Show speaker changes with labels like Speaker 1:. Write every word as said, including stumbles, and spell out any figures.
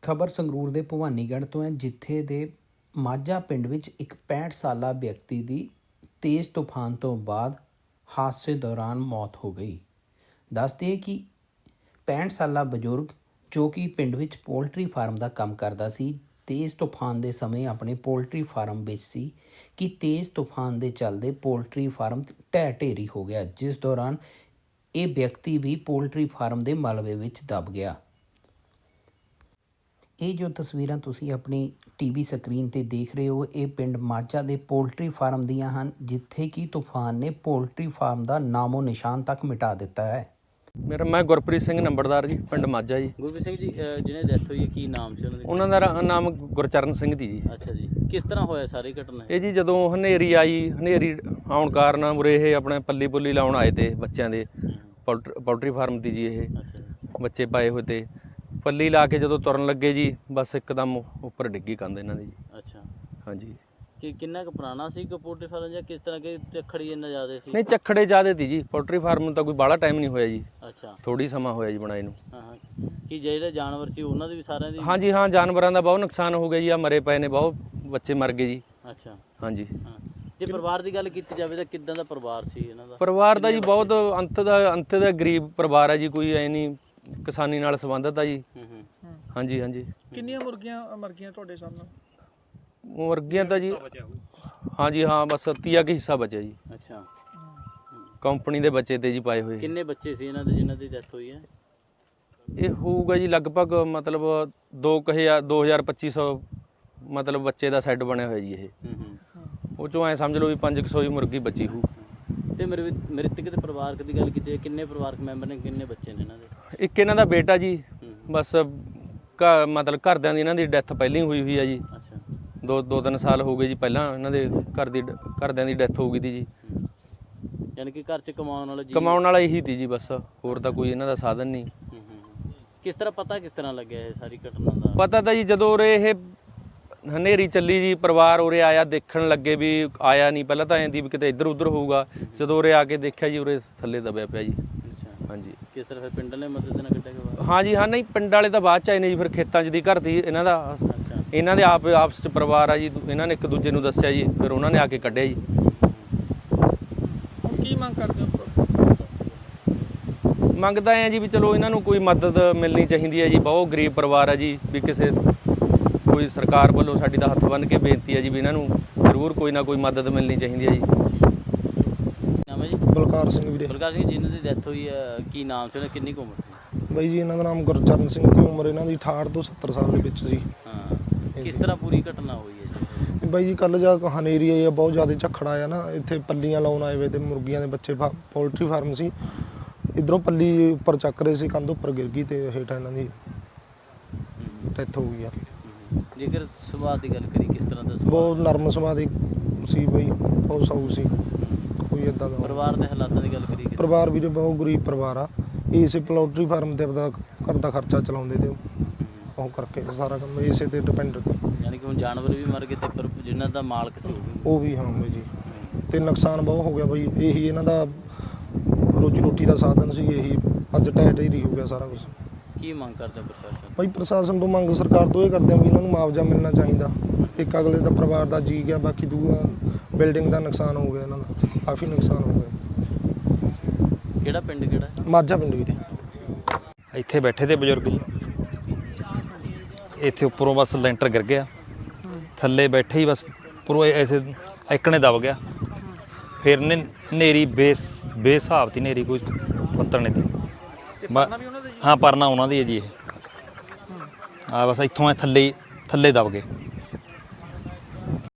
Speaker 1: ਖਬਰ ਸੰਗਰੂਰ ਦੇ ਭਵਾਨੀਗੜ੍ਹ ਤੋਂ ਹੈ, ਜਿੱਥੇ ਦੇ ਮਾਝਾ ਪਿੰਡ ਵਿੱਚ ਇੱਕ ਪੈਂਹਠ ਸਾਲਾ ਵਿਅਕਤੀ ਦੀ ਤੇਜ਼ ਤੂਫਾਨ ਤੋਂ ਬਾਅਦ ਹਾਦਸੇ ਦੌਰਾਨ ਮੌਤ ਹੋ ਗਈ। ਦੱਸ ਦਈਏ ਕਿ ਪੈਂਹਠ ਸਾਲਾ ਬਜ਼ੁਰਗ ਜੋ ਕਿ ਪਿੰਡ ਵਿੱਚ ਪੋਲਟਰੀ ਫਾਰਮ ਦਾ ਕੰਮ ਕਰਦਾ ਸੀ, ਤੇਜ਼ ਤੂਫਾਨ ਦੇ ਸਮੇਂ ਆਪਣੇ ਪੋਲਟਰੀ ਫਾਰਮ ਵਿੱਚ ਸੀ ਕਿ ਤੇਜ਼ ਤੂਫਾਨ ਦੇ ਚੱਲਦੇ ਪੋਲਟਰੀ ਫਾਰਮ ਢਹਿ ਢੇਰੀ ਹੋ ਗਿਆ, ਜਿਸ ਦੌਰਾਨ ਇਹ ਵਿਅਕਤੀ ਵੀ ਪੋਲਟਰੀ ਫਾਰਮ ਦੇ ਮਲਬੇ ਵਿੱਚ ਦਬ ਗਿਆ। ਇਹ ਜੋ ਤਸਵੀਰਾਂ ਤੁਸੀਂ ਆਪਣੀ ਟੀਵੀ ਸਕਰੀਨ ਤੇ ਦੇਖ ਰਹੇ ਹੋ, ਇਹ ਪਿੰਡ ਮਾਝਾ ਦੇ ਪੋਲਟਰੀ ਫਾਰਮ ਦੀਆਂ ਹਨ, ਜਿੱਥੇ ਕਿ ਤੂਫਾਨ ਨੇ ਪੋਲਟਰੀ ਫਾਰਮ ਦਾ ਨਾਮੋ ਨਿਸ਼ਾਨ ਤੱਕ ਮਿਟਾ ਦਿੱਤਾ ਹੈ।
Speaker 2: ਮੇਰਾ ਮੈਂ ਗੁਰਪ੍ਰੀਤ ਸਿੰਘ ਨੰਬਰਦਾਰ ਜੀ, ਪਿੰਡ ਮਾਝਾ ਜੀ।
Speaker 3: ਗੁਰਪ੍ਰੀਤ ਸਿੰਘ ਜੀ, ਜਿਹਨੇ ਡੈਥ ਹੋਈ ਹੈ ਕੀ ਨਾਮ ਸੀ ਉਹਨਾਂ ਦਾ?
Speaker 2: ਉਹਨਾਂ ਦਾ ਨਾਮ ਗੁਰਚਰਨ ਸਿੰਘ ਦੀ ਜੀ।
Speaker 3: ਅੱਛਾ ਜੀ, ਕਿਸ ਤਰ੍ਹਾਂ ਹੋਇਆ ਸਾਰੀ ਘਟਨਾ?
Speaker 2: ਇਹ ਜੀ ਜਦੋਂ ਹਨੇਰੀ ਆਈ, ਹਨੇਰੀ ਆਉਣ ਕਾਰਨ ਉਰੇ ਇਹ ਆਪਣੇ ਪੱਲੀ ਪੁੱਲੀ ਲਾਉਣ ਆਏ ਤੇ ਬੱਚਿਆਂ ਦੇ ਪੋਲਟਰੀ ਪੋਲਟਰੀ ਫਾਰਮ ਦੀ ਜੀ। ਇਹ ਬੱਚੇ ਪਾਏ ਹੋਏ ਤੇ ਪੱਲੀ ਲਾ ਕੇ ਜਦੋਂ ਤੁਰਨ ਲੱਗੇ ਜੀ, ਬਸ ਇੱਕਦਮ ਉੱਪਰ ਡਿੱਗੀ ਕੰਧ ਇਹਨਾਂ ਦੀ ਜੀ।
Speaker 3: ਅੱਛਾ,
Speaker 2: ਹਾਂਜੀ।
Speaker 3: ਕਿ ਕਿੰਨਾ ਕੁ ਪੁਰਾਣਾ ਸੀ ਕਿ ਪੋਲਟਰੀ ਫਾਰਮ ਜਾਂ ਕਿਸ ਤਰ੍ਹਾਂ ਕਿ ਝੱਖੜੀ ਇੰਨਾ ਜ਼ਿਆਦਾ ਸੀ?
Speaker 2: ਨਹੀਂ, ਝੱਖੜੇ ਜ਼ਿਆਦੇ ਤੀ ਜੀ। ਪੋਲਟਰੀ ਫਾਰਮ ਨੂੰ ਤਾਂ ਕੋਈ ਬਾਹਲਾ ਟਾਈਮ ਨਹੀਂ ਹੋਇਆ ਜੀ।
Speaker 3: ਅੱਛਾ,
Speaker 2: ਥੋੜੀ ਸਮਾਂ ਹੋਇਆ ਜੀ ਬਣਾਏ ਨੂੰ।
Speaker 3: ਹਾਂ ਹਾਂ। ਕਿ ਜਿਹੜੇ ਜਾਨਵਰ ਸੀ ਉਹਨਾਂ ਦੇ ਵੀ ਸਾਰਿਆਂ ਦੀ?
Speaker 2: ਹਾਂਜੀ ਹਾਂ, ਜਾਨਵਰਾਂ ਦਾ ਬਹੁਤ ਨੁਕਸਾਨ ਹੋ ਗਿਆ ਜੀ। ਆ ਮਰੇ ਪਏ ਨੇ, ਬਹੁਤ ਬੱਚੇ ਮਰ ਗਏ ਜੀ।
Speaker 3: ਅੱਛਾ,
Speaker 2: ਹਾਂਜੀ।
Speaker 3: ਹਾਂ। ਜੇ ਪਰਿਵਾਰ ਦੀ ਗੱਲ ਕੀਤੀ ਜਾਵੇ ਤਾਂ ਕਿੱਦਾਂ ਦਾ ਪਰਿਵਾਰ ਸੀ ਇਹਨਾਂ ਦਾ?
Speaker 2: ਪਰਿਵਾਰ ਦਾ ਜੀ ਬਹੁਤ ਅੰਤ ਦਾ ਅੰਤ ਦਾ ਗਰੀਬ ਪਰਿਵਾਰ ਹੈ ਜੀ। ਕੋਈ ਐ ਨਹੀਂ ਕਿਸਾਨੀ ਨਾਲ ਸੰਬੰਧਿਤ ਆ ਜੀ।
Speaker 3: ਹੂੰ ਹੂੰ।
Speaker 2: ਹਾਂਜੀ ਹਾਂਜੀ।
Speaker 4: ਕਿੰਨੀਆਂ ਮੁਰਗੀਆਂ ਮਰ ਗਈਆਂ ਤੁਹਾਡੇ ਸਾਹਮਣੇ?
Speaker 2: ਮੁਰਗੀਆਂ ਤਾਂ ਜੀ ਹਾਂਜੀ ਹਾਂ, ਬਸ ਤੀਆ ਕੀ ਹਿੱਸਾ ਬਚਿਆ ਜੀ।
Speaker 3: ਅੱਛਾ,
Speaker 2: ਕੰਪਨੀ ਦੇ ਬੱਚੇ ਤੇ ਜੀ ਪਾਏ ਹੋਏ।
Speaker 3: ਕਿੰਨੇ ਬੱਚੇ ਸੀ ਇਹਨਾਂ ਦੇ ਜਿਨ੍ਹਾਂ ਦੀ ਡੈਥ ਹੋਈ ਹੈ?
Speaker 2: ਇਹ ਹੋਊਗਾ ਜੀ ਲਗਭਗ ਮਤਲਬ ਦੋ ਕੁ ਹਜ਼ਾਰ ਦੋ ਹਜ਼ਾਰ ਪੱਚੀ ਸੌ ਮਤਲਬ ਬੱਚੇ ਦਾ ਸੈੱਟ ਬਣਿਆ ਹੋਇਆ ਜੀ ਇਹ।
Speaker 3: ਹੂੰ ਹੂੰ।
Speaker 2: ਉਹ ਚੋਂ ਐ ਸਮਝ ਲਓ ਵੀ ਪੰਜ ਕੁ ਸੌ ਹੀ ਮੁਰਗੀ ਬਚੀ ਹੋਊ।
Speaker 3: ਤੇ ਮੇਰੇ ਮ੍ਰਿਤਕ ਦੇ ਪਰਿਵਾਰਕ ਦੀ ਗੱਲ ਕੀਤੀ ਹੈ, ਕਿੰਨੇ ਪਰਿਵਾਰਕ ਮੈਂਬਰ ਨੇ, ਕਿੰਨੇ ਬੱਚੇ ਨੇ ਇਹਨਾਂ ਦੇ?
Speaker 2: ਇੱਕ ਇਹਨਾਂ ਦਾ ਬੇਟਾ ਜੀ, ਬਸ ਘਰ ਮਤਲਬ ਘਰਦਿਆਂ ਦੀ ਇਹਨਾਂ ਦੀ ਡੈਥ ਪਹਿਲਾਂ ਹੀ ਹੋਈ ਹੋਈ ਆ ਜੀ।
Speaker 3: ਅੱਛਾ,
Speaker 2: ਦੋ ਦੋ ਤਿੰਨ ਸਾਲ ਹੋ ਗਏ ਜੀ ਪਹਿਲਾਂ ਇਹਨਾਂ ਦੇ ਘਰ ਦੀ ਘਰਦਿਆਂ ਦੀ ਡੈਥ ਹੋ ਗਈ ਤੀ ਜੀ।
Speaker 3: ਯਾਨੀ ਕਿ ਘਰ 'ਚ ਕਮਾਉਣ ਵਾਲਾ ਜੀ?
Speaker 2: ਕਮਾਉਣ ਵਾਲਾ ਇਹੀ ਤੀ ਜੀ, ਬਸ ਹੋਰ ਤਾਂ ਕੋਈ ਇਹਨਾਂ ਦਾ ਸਾਧਨ ਨਹੀਂ।
Speaker 3: ਹੂੰ ਹੂੰ। ਕਿਸ ਤਰ੍ਹਾਂ ਪਤਾ ਕਿਸ ਤਰ੍ਹਾਂ ਲੱਗਿਆ ਇਹ ਸਾਰੀ ਘਟਨਾ ਦਾ?
Speaker 2: ਪਤਾ ਤਾਂ ਜੀ ਜਦੋਂ ਉਰੇ ਇਹ ਹਨੇਰੀ ਚੱਲੀ ਜੀ, ਪਰਿਵਾਰ ਉਰੇ ਆਇਆ, ਦੇਖਣ ਲੱਗੇ ਵੀ ਆਇਆ ਨਹੀਂ। ਪਹਿਲਾਂ ਤਾਂ ਐਂ ਦੀ ਵੀ ਕਿਤੇ ਇੱਧਰ ਉੱਧਰ ਹੋਊਗਾ। ਜਦੋਂ ਉਰੇ ਆ ਕੇ ਦੇਖਿਆ ਜੀ, ਉਰੇ ਥੱਲੇ ਦਬਿਆ ਪਿਆ ਜੀ।
Speaker 3: ਅੱਛਾ,
Speaker 2: ਹਾਂਜੀ।
Speaker 3: ਕਿਸ ਤਰ੍ਹਾਂ ਫਿਰ ਪਿੰਡ ਨੇ ਮਦਦ ਨਾਲ ਕੱਢਿਆ ਗਿਆ?
Speaker 2: ਹਾਂਜੀ ਹਾਂ, ਨਹੀਂ ਪਿੰਡ ਵਾਲੇ ਤਾਂ ਬਾਅਦ ਚ ਆਏ ਨੇ ਜੀ। ਫਿਰ ਖੇਤਾਂ 'ਚ ਦੀ ਘਰ ਦੀ ਇਹਨਾਂ ਦਾ,
Speaker 3: ਅੱਛਾ,
Speaker 2: ਇਹਨਾਂ ਦੇ ਆਪ ਆਪਸ 'ਚ ਪਰਿਵਾਰ ਆ ਜੀ। ਇਹਨਾਂ ਨੇ ਇੱਕ ਦੂਜੇ ਨੂੰ ਦੱਸਿਆ ਜੀ, ਫਿਰ ਉਹਨਾਂ ਨੇ ਆ ਕੇ ਕੱਢਿਆ ਜੀ।
Speaker 4: ਹੁਣ ਕੀ ਮੰਗ ਕਰਦੇ ਹੋ?
Speaker 2: ਮੰਗਦਾ ਆ ਜੀ ਵੀ ਚਲੋ ਇਹਨਾਂ ਨੂੰ ਕੋਈ ਮਦਦ ਮਿਲਣੀ ਚਾਹੀਦੀ ਹੈ ਜੀ। ਬਹੁਤ ਗਰੀਬ ਪਰਿਵਾਰ ਆ ਜੀ। ਵੀ ਕਿਸੇ ਕੋਈ ਸਰਕਾਰ ਵੱਲੋਂ ਸਾਡੀ ਤਾਂ ਹੱਥ ਬੰਨ੍ਹ ਕੇ ਬੇਨਤੀ ਹੈ ਜੀ ਵੀ ਇਹਨਾਂ ਨੂੰ ਜ਼ਰੂਰ ਕੋਈ ਨਾ ਕੋਈ ਮਦਦ ਮਿਲਣੀ ਚਾਹੀਦੀ ਹੈ ਜੀ।
Speaker 3: ਨਾਮ ਹੈ ਜੀ?
Speaker 4: ਬਲਕਾਰ ਸਿੰਘ ਵੀਰੇ।
Speaker 3: ਬਲਕਾਰ ਸਿੰਘ, ਜਿਹਨਾਂ ਦੀ ਡੈਥ ਹੋਈ ਹੈ ਕੀ ਨਾਮ ਸੀ ਉਹਨਾਂ, ਕਿੰਨੀ ਕੁ ਉਮਰ ਸੀ?
Speaker 4: ਬਾਈ ਜੀ ਇਹਨਾਂ ਦਾ ਨਾਮ ਗੁਰਚਰਨ ਸਿੰਘ ਦੀ ਉਮਰ ਇਹਨਾਂ ਦੀ ਅਠਾਹਠ ਤੋਂ ਸੱਤਰ ਸਾਲ ਦੇ ਵਿੱਚ ਸੀ।
Speaker 3: ਹਾਂ, ਕਿਸ ਤਰ੍ਹਾਂ ਪੂਰੀ ਘਟਨਾ ਹੋਈ ਹੈ ਜੀ?
Speaker 4: ਬਾਈ ਜੀ ਕੱਲ੍ਹ ਜਾ ਹਨੇਰੀ ਆਈ ਆ, ਬਹੁਤ ਜ਼ਿਆਦਾ ਝੱਖੜ ਆਇਆ ਨਾ। ਇੱਥੇ ਪੱਲੀਆਂ ਲਾਉਣ ਆਏ ਵੇ ਤੇ ਮੁਰਗੀਆਂ ਦੇ ਬੱਚੇ ਪੋਲਟਰੀ ਫਾਰਮ ਸੀ। ਇੱਧਰੋਂ ਪੱਲੀ ਉੱਪਰ ਚੱਕ ਰਹੇ ਸੀ, ਕੰਧ ਉੱਪਰ ਗਿਰ ਗਈ ਤੇ ਹੇਠਾਂ ਇਹਨਾਂ ਦੀ ਡੈਥ ਹੋ ਗਈ ਆ।
Speaker 3: ਜੇਕਰ ਸੁਭਾਅ ਦੀ ਗੱਲ ਕਰੀ, ਕਿਸ ਤਰ੍ਹਾਂ ਦਾ ਸੁਭਾਅ?
Speaker 4: ਬਹੁਤ ਨਰਮ ਸੁਭਾਅ ਦੀ ਸੀ ਬਾਈ, ਬਹੁਤ ਸਾਊ ਸੀ, ਕੋਈ ਇੱਦਾਂ ਦਾ।
Speaker 3: ਪਰਿਵਾਰ ਦੇ ਹਾਲਾਤਾਂ ਦੀ ਗੱਲ ਕਰੀ?
Speaker 4: ਪਰਿਵਾਰ ਵੀਰੇ ਬਹੁਤ ਗਰੀਬ ਪਰਿਵਾਰ ਆ। ਇਸੇ ਪੋਲਟਰੀ ਫਾਰਮ ਤੇ ਆਪਦਾ ਘਰ ਦਾ ਖਰਚਾ ਚਲਾਉਂਦੇ ਤੇ ਉਹ ਕਰਕੇ ਸਾਰਾ ਕੰਮ ਇਸੇ ਤੇ ਡਿਪੈਂਡ ਤੇ।
Speaker 3: ਯਾਨੀ ਕਿ ਹੁਣ ਜਾਨਵਰ ਵੀ ਮਰ ਗਏ ਤੇ ਪਰ ਜਿਨ੍ਹਾਂ ਦਾ ਮਾਲਕ ਸੀ
Speaker 4: ਉਹ ਵੀ। ਹਾਂ ਬਾਈ ਜੀ, ਤੇ ਨੁਕਸਾਨ ਬਹੁਤ ਹੋ ਗਿਆ ਬਾਈ। ਇਹੀ ਇਹਨਾਂ ਦਾ ਰੋਜੀ ਰੋਟੀ ਦਾ ਸਾਧਨ ਸੀ, ਇਹੀ ਅੱਜ ਢਹਿ ਢੇਰੀ ਹੋ ਗਿਆ ਸਾਰਾ ਕੁਛ।
Speaker 3: ਕੀ ਮੰਗ ਕਰਦੇ ਪ੍ਰਸ਼ਾਸਨ?
Speaker 4: ਬਾਈ ਪ੍ਰਸ਼ਾਸਨ ਤੋਂ ਮੰਗ ਸਰਕਾਰ ਤੋਂ ਇਹ ਕਰਦੇ ਆ ਵੀ ਇਹਨਾਂ ਨੂੰ ਮੁਆਵਜ਼ਾ ਮਿਲਣਾ ਚਾਹੀਦਾ। ਇੱਕ ਅਗਲੇ ਦਾ ਪਰਿਵਾਰ ਦਾ ਜੀ ਗਿਆ, ਬਾਕੀ ਦੂਆ ਬਿਲਡਿੰਗ ਦਾ ਨੁਕਸਾਨ ਹੋ ਗਿਆ, ਇਹਨਾਂ ਦਾ ਕਾਫੀ ਨੁਕਸਾਨ ਹੋ ਗਿਆ।
Speaker 3: ਕਿਹੜਾ ਪਿੰਡ ਕਿਹੜਾ?
Speaker 4: ਮਾਝਾ ਪਿੰਡ ਵੀਰੇ।
Speaker 5: ਇੱਥੇ ਬੈਠੇ ਤੇ ਬਜ਼ੁਰਗ ਜੀ, ਇੱਥੇ ਉੱਪਰੋਂ ਬਸ ਲੈਂਟਰ ਗਿਰ ਗਿਆ, ਥੱਲੇ ਬੈਠੇ ਹੀ ਬਸ ਉੱਪਰੋਂ ਐਸੇ ਇੱਕਣੇ ਦਬ ਗਿਆ। ਫਿਰ ਨੇ ਹਨੇਰੀ ਬੇਸ ਬੇਹਿਸਾਬ ਤੀ ਹਨੇਰੀ, ਕੋਈ ਪੱਤਰ ਨਹੀਂ ਤੀ। ਹਾਂ, ਪਰਨਾ ਉਹਨਾਂ ਦੀ ਹੈ ਜੀ। ਇਹ ਆ ਬਸ ਇੱਥੋਂ ਐ ਥੱਲੇ ਥੱਲੇ ਦਬ ਗਏ।